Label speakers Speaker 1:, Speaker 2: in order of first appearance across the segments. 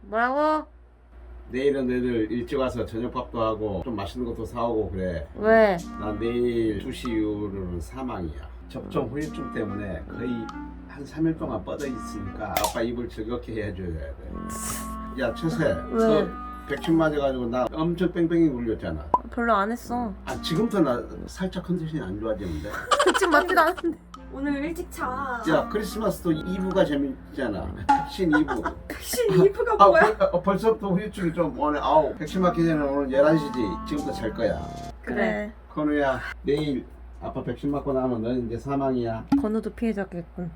Speaker 1: 뭐라고?
Speaker 2: 내일은 애들 일찍 와서 저녁밥도 하고 좀 맛있는 것도 사오고 그래.
Speaker 1: 왜?
Speaker 2: 난 내일 2시 이후로는 사망이야. 접종 후유증 때문에 거의 한 3일 동안 뻗어 있으니까 아빠 입을 즐겁게 해줘야 돼. 야 최세,
Speaker 1: 왜?
Speaker 2: 너 백신 맞아가지고 나 엄청 뺑뺑이 굴렸잖아.
Speaker 1: 별로 안 했어.
Speaker 2: 아 지금부터 나 살짝 컨디션이 안 좋아지는데.
Speaker 1: 지금 맞지도 않았는데.
Speaker 3: 오늘 일찍 자.
Speaker 2: 야 크리스마스도 2부가 재밌잖아. 백신 2부.
Speaker 3: 백신 2부가 뭐야?
Speaker 2: 벌써부터 후유증이 좀 오네. 아우 백신 맞기 전에 오늘 11시지. 지금부터 잘 거야.
Speaker 1: 그래.
Speaker 2: 건우야 내일 아빠 백신 맞고 나면 너는 이제 사망이야.
Speaker 1: 건우도 피해자겠군.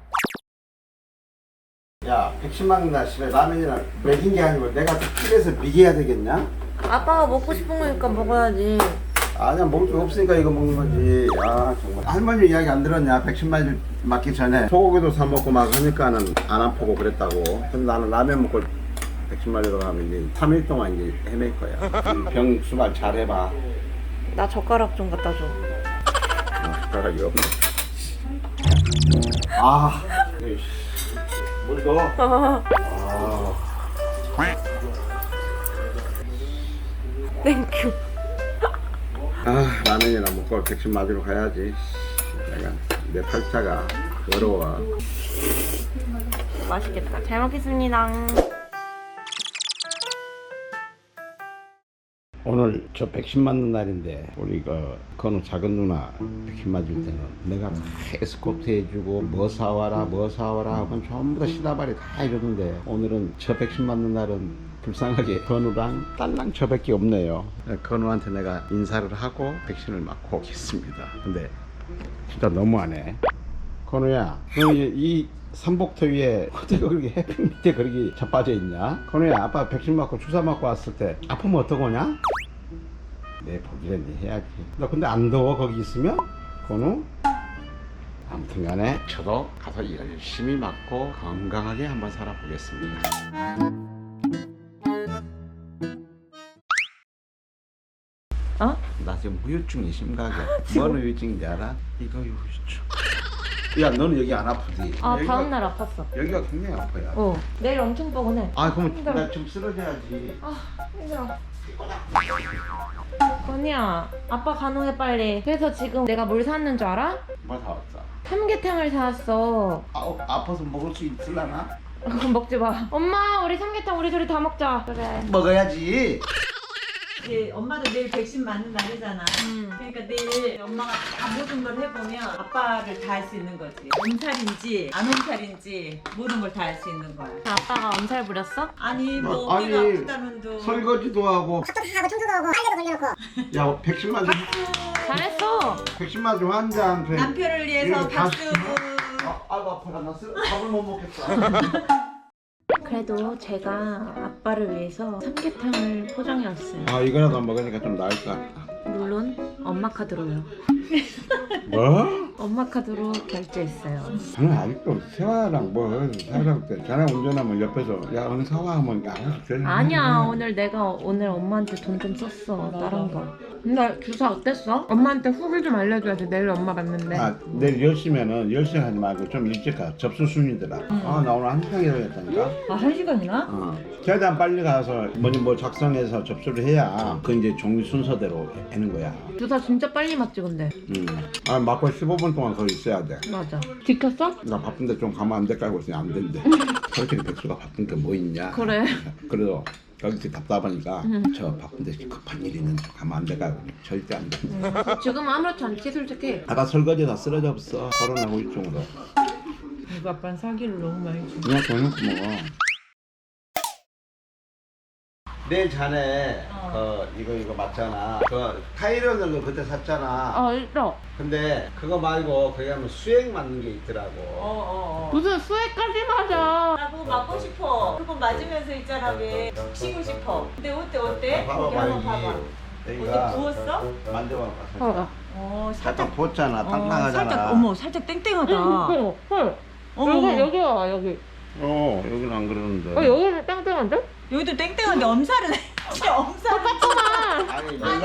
Speaker 2: 야 백신 맞는 날 집에 라면이랑 먹인 게 아니고 내가 집에서 미개해야 되겠냐?
Speaker 1: 아빠가 먹고 싶은 거니까 먹어야지.
Speaker 2: 아니야 먹을 게 없으니까 이거 먹는 거지. 아 정말 할머니 이야기 안 들었냐? 백신 맞기 전에 소고기도 사 먹고 막 하니까는 안 아프고 그랬다고. 근데 나는 라면 먹고 백신 맞으러 가면 이제 3일 동안 이제 헤맬 거야. 병 수발 잘 해봐.
Speaker 1: 나 젓가락 좀 갖다 줘.
Speaker 2: 젓가락이 없네. 아 물 더. 아.
Speaker 1: 땡큐.
Speaker 2: 아 라면이나 먹고 백신 맞으러 가야지. 내가 내 팔자가 어려워.
Speaker 1: 맛있겠다. 잘 먹겠습니다.
Speaker 2: 오늘 저 백신 맞는 날인데 우리 건우 작은 누나 백신 맞을 때는 내가 다 에스코트 해주고 뭐 사와라 하면 전부 다 시다발이 다 해줬는데 오늘은 저 백신 맞는 날은 불쌍하게 건우랑 딸랑 저밖에 없네요. 건우한테 내가 인사를 하고 백신을 맞고 오겠습니다. 근데 진짜 너무하네. 건우야 너 이 삼복터 위에 어떻게 그렇게 햇빛 밑에 그렇게 자빠져 있냐? 건우야 아빠 백신 맞고 주사 맞고 왔을 때 아프면 어떡하냐? 내 보기는 해야지. 너 근데 안 더워 거기 있으면? 건우? 아무튼 간에 저도 가서 열심히 맞고 건강하게 한번 살아보겠습니다.
Speaker 1: 어?
Speaker 2: 나 지금 후유증이 심각해. 뭔 후유증인지 알아? 이거 후유증. 야 너는 여기 안 아프지?
Speaker 1: 아
Speaker 2: 여기가-
Speaker 1: 다음날 아팠어.
Speaker 2: 여기가 굉장히 아파요.
Speaker 1: 어. 내일 엄청 뻐근해.
Speaker 2: 아 그럼
Speaker 1: 힘들어.
Speaker 2: 나 좀 쓰러져야지.
Speaker 1: 아 힘들어. 건이야 아빠 간호해 빨리. 그래서 지금 내가 뭘 샀는 줄 알아?
Speaker 2: 뭐 사왔어?
Speaker 1: 삼계탕을 사왔어.
Speaker 2: 아파서 먹을 수 있을라나?
Speaker 1: 그럼 먹지 마. 엄마 우리 삼계탕 우리 둘이 다 먹자. 그래.
Speaker 2: 먹어야지.
Speaker 3: 이제 엄마도 내일 백신 맞는 날이잖아. 그러니까 내일 엄마가 다 모든 걸 해보면 아빠를 다 할 수 있는 거지. 엄살인지 안 엄살인지 모든 걸 다 할 수 있는 거야.
Speaker 1: 아빠가 엄살 부렸어?
Speaker 3: 아니 뭐
Speaker 2: 아니,
Speaker 3: 어디가 아프다는도
Speaker 2: 설거지도 하고.
Speaker 4: 밥도 다 하고 청소도 하고 빨래도 걸려놓고
Speaker 2: 야 백신만 좀
Speaker 1: 잘했어.
Speaker 2: 백신만 좀 환자한테.
Speaker 3: 남편을 위해서
Speaker 2: 이거 다
Speaker 3: 밥 쓰고
Speaker 2: 아이고 아파라 나 밥을 못 먹겠다.
Speaker 1: 그래도 제가 아빠를 위해서 삼계탕을 포장해 왔어요.
Speaker 2: 아 이거라도 먹으니까 좀 나을 것 같다.
Speaker 1: 물론 엄마 카드로요.
Speaker 2: 뭐?
Speaker 1: 엄마 카드로 결제했어요.
Speaker 2: 저는 아직도 세화랑 뭐 살살 때 자네 운전하면 옆에서 야 오늘 사와하면 알아서 돼.
Speaker 1: 아니야 오늘 엄마한테 돈 좀 썼어 다른 거. 근데 주사 어땠어? 엄마한테 후기 좀 알려줘야지. 내일 엄마 봤는데.
Speaker 2: 아 내일 10시면은 10시 하지 말고 좀 일찍 가. 접수 순이더라. 아 나 오늘 1시간이라고 했다니까.
Speaker 3: 아 1시간이나?
Speaker 2: 최대한 빨리 가서 뭐 작성해서 접수를 해야 그 이제 종류 순서대로 하는 거야.
Speaker 1: 주사 진짜 빨리 맞지 근데.
Speaker 2: 아 맞고 15분 동안 거기 있어야 돼.
Speaker 1: 맞아. 지켰어?
Speaker 2: 나 바쁜데 좀 가면 안 될까 하고 있으면 안 된대. 솔직히 백수가 바쁜 게 뭐 있냐.
Speaker 1: 그래.
Speaker 2: 그래도 여기 답답하니까 저 바쁜데 급한 일이 있는데 가면 안 될까 하고 절대 안 돼.
Speaker 1: 지금 아무렇지 않지 솔직히.
Speaker 2: 아까 설거지 다 쓰러져 없어. 코로나 후유증으로.
Speaker 3: 이거 아빠는 사기를 너무 많이 줘.
Speaker 2: 그냥 저녁 먹어. 내일 자네 이거 맞잖아. 그 타이레놀 거 그때 샀잖아.
Speaker 1: 있어.
Speaker 2: 근데 그거 말고 거기 가면 수액 맞는 게 있더라고.
Speaker 1: 무슨 수액까지 맞아.
Speaker 3: 나 그거 맞고 싶어. 그거 맞으면서 있잖아 왜 쉬고 싶어. 근데 어때? 거기 한번 봐봐. 어디
Speaker 2: 여기가
Speaker 3: 부었어?
Speaker 2: 만져봐. 살짝.
Speaker 3: 살짝
Speaker 2: 살짝 부었잖아. 땅땅하잖아.
Speaker 3: 살짝 살짝 땡땡하다.
Speaker 1: 헐.
Speaker 3: 어머.
Speaker 1: 여기 와 여기.
Speaker 2: 여기는 안 그러는데.
Speaker 1: 여기는 땡땡한데?
Speaker 3: 여기도 땡땡한데 엄살은 진짜 엄살.
Speaker 1: 똑같구만.
Speaker 2: 아니
Speaker 3: 아니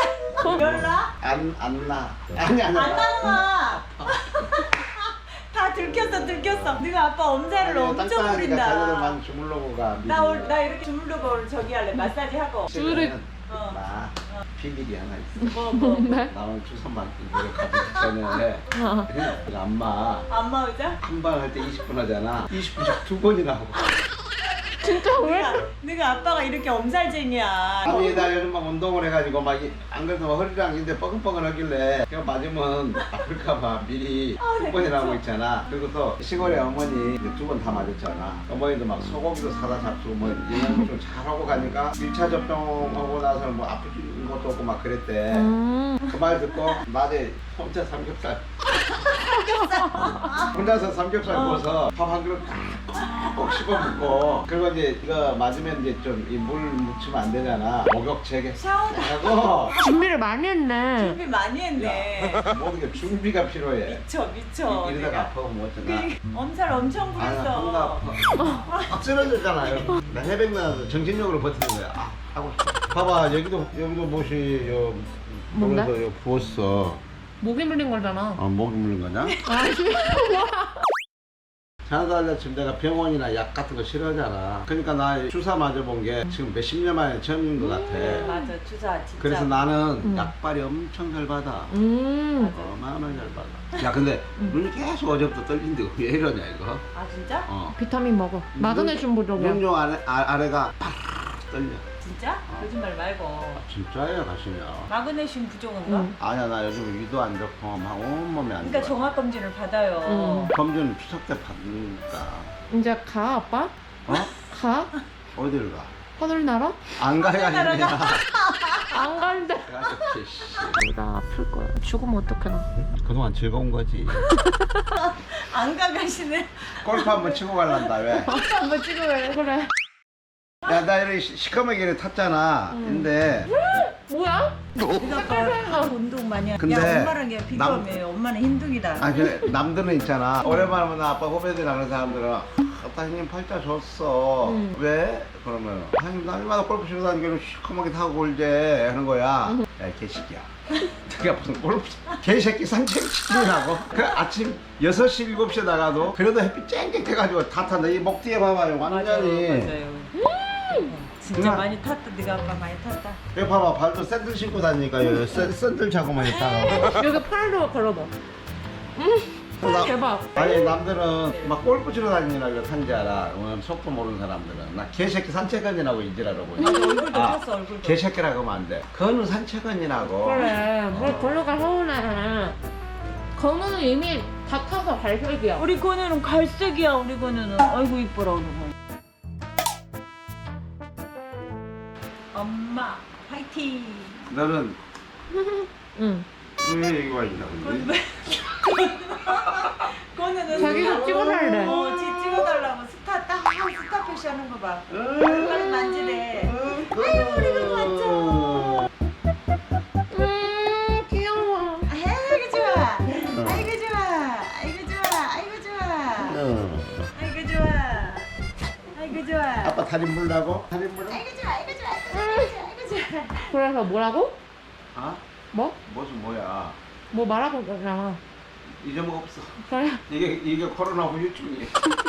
Speaker 3: 엄살. 열나?
Speaker 2: 안 나. 아니
Speaker 3: 안 나는 거. 다 들켰어. 네가 아빠 엄살을 엄청
Speaker 2: 자녀들
Speaker 3: 부린다.
Speaker 2: 많이 주물러고 가.
Speaker 3: 나 이렇게 주물르고 오늘 저기 할래. 마사지 하고.
Speaker 2: 둘이
Speaker 3: 어.
Speaker 2: 나 비밀이 하나 있어.
Speaker 3: 뭐.
Speaker 2: 나는 주선만 이거를 가지기 전에 안마
Speaker 3: 안마 의자?
Speaker 2: 한 번 할 때 20분 하잖아. 20분씩 2번이나 하고.
Speaker 1: 진짜 왜?
Speaker 3: 네가 아빠가 이렇게 엄살쟁이야.
Speaker 2: 아니 나 요즘 막 운동을 해가지고 막 안 그래도 막 허리랑 인데 뻐근뻐근하길래 그냥 맞으면 아플까봐 미리 2번이나 하고 있잖아. 그리고 또 시골에 어머니 2번 다 맞았잖아. 어머니도 막 소고기도 사다 잡수고 뭐 영양도 좀 잘하고 가니까 1차 접종하고 나서는 뭐 아픈 것도 없고 막 그랬대. 그 말 듣고 낮에 혼자 삼겹살 혼자서 삼겹살 구워서 밥 한 그릇 꼭 씹어 먹고, 그리고 이제 이거 맞으면 이제 좀 이 물 묻히면 안 되잖아. 목욕제게
Speaker 3: 샤워도
Speaker 2: 하고
Speaker 1: 준비를 많이 했네.
Speaker 3: 준비 많이 했네.
Speaker 2: 모든 게 준비가 필요해.
Speaker 3: 미쳐.
Speaker 2: 이러다가
Speaker 3: 내가.
Speaker 2: 아파하면 뭐 어쩌나.
Speaker 3: 엄살 엄청
Speaker 2: 아, 나
Speaker 3: 부렸어.
Speaker 2: 아파. 쓰러졌잖아요. 나 해백 나서 정신력으로 버티는 거야. 아, 하고 싶어. 봐봐, 여기도 못이
Speaker 1: 뭔데?
Speaker 2: 그래서 요 부었어.
Speaker 1: 목이 물린 거잖아.
Speaker 2: 목이 물린 거냐?
Speaker 1: 아니.
Speaker 2: 자나달라 지금 내가 병원이나 약 같은 거 싫어하잖아. 그러니까 나 주사 맞아본 게 지금 몇십 년 만에 처음인 것 같아.
Speaker 3: 맞아, 주사 진짜.
Speaker 2: 그래서 나는 약발이 엄청 잘 받아. 어마어마하게 잘 받아. 야, 근데 눈이 계속 어제부터 떨린데 왜 이러냐 이거?
Speaker 3: 아 진짜?
Speaker 1: 비타민 먹어. 마그네슘 부족이야.
Speaker 2: 눈용 아래가 팍 떨려.
Speaker 3: 진짜? 거짓말 말고.
Speaker 2: 진짜예요, 가시면.
Speaker 3: 마그네슘 부족인가?
Speaker 2: 아니야, 나 요즘 위도 안 좋고 막 온몸이 안
Speaker 3: 그러니까
Speaker 2: 좋아.
Speaker 3: 종합 검진을 받아요.
Speaker 2: 검진 추석 때 받으니까.
Speaker 1: 이제 가 아빠?
Speaker 2: 어?
Speaker 1: 가?
Speaker 2: 어디를 가?
Speaker 1: 하늘 날아?
Speaker 2: 안 가야 아니냐.
Speaker 1: 안 간대. 나 아플 거야. 죽으면 어떡해 나.
Speaker 2: 그동안 즐거운 거지.
Speaker 3: 안 가가시네.
Speaker 2: 골프 한번 치고 갈란다, 왜?
Speaker 3: 한번 찍어요.
Speaker 1: 그래.
Speaker 2: 야, 나 이렇게 시커멓게 탔잖아. 근데
Speaker 1: 뭐야?
Speaker 3: 네가 운동 많이 하.
Speaker 2: 근데
Speaker 3: 야 엄마랑 얘 비교하면 엄마는 흰둥이다.
Speaker 2: 아, 그 남들은 있잖아. 오랜만에 보는 아빠 후배들이나 그런 사람들은 아빠 형님 팔자 줬어. 왜? 그러면 형님 날마다 골프 치고 다니기는 시커멓게 타고 골제 하는 거야. 야, 이 개새끼야. 내가 무슨 골프 개새끼 산책시키라고? 그 아침 6시 7시에 나가도 그래도 햇빛 쨍쨍해가지고 다 탔는데 이 목 뒤에 봐봐요. 완전히.
Speaker 3: 맞아요. 진짜
Speaker 2: 그냥-
Speaker 3: 많이 탔다. 네가 아빠 많이 탔다.
Speaker 2: 여기 봐봐, 발도 샌들 신고 다니니까 여기 샌들 차고만 있다가.
Speaker 1: 여기 팔로 걸어봐.
Speaker 2: 나-
Speaker 1: 대박.
Speaker 2: 아니, 남들은 막 골프 치러 다니느라 이거 탄지 알아. 속도 모르는 사람들은. 나 개새끼 산책언니라고 인지라고.
Speaker 3: 얼굴도 탔어, 얼굴도.
Speaker 2: 개새끼라고 하면 안 돼. 그거는 산책언니라고.
Speaker 1: 그래. 뭘 걸어가 서운해. 건우는 이미 다 타서 갈색이야.
Speaker 3: 우리 건우는 갈색이야. 우리 건우는. 아이고 이뻐라 우리 건우. 엄마 화이팅.
Speaker 2: 너는
Speaker 1: 응.
Speaker 2: 왜 여기 와 있냐, 근데?
Speaker 3: 건우는
Speaker 1: 자기도 찍어달래.
Speaker 3: 지 찍어달라고 스타 딱 스타 표시하는 거 봐. 얼굴 만지래. 아유 우리 건우 왔죠.
Speaker 1: 귀여워.
Speaker 3: 아이고 좋아. 아이고 좋아. 아이고 좋아. 아이고 좋아. 아이고 좋아. 아이고 좋아.
Speaker 2: 아빠 다리 물라고? 다리 물어?
Speaker 3: 아이고 좋아. 아이고 좋아. 아이고 좋아. 아이고 좋아.
Speaker 1: 그래서 뭐라고?
Speaker 2: 어?
Speaker 1: 뭐?
Speaker 2: 무슨 뭐야?
Speaker 1: 뭐 말하고 있잖아.
Speaker 2: 잊어먹었어.
Speaker 1: 그래.
Speaker 2: 이게 코로나 후유증이야.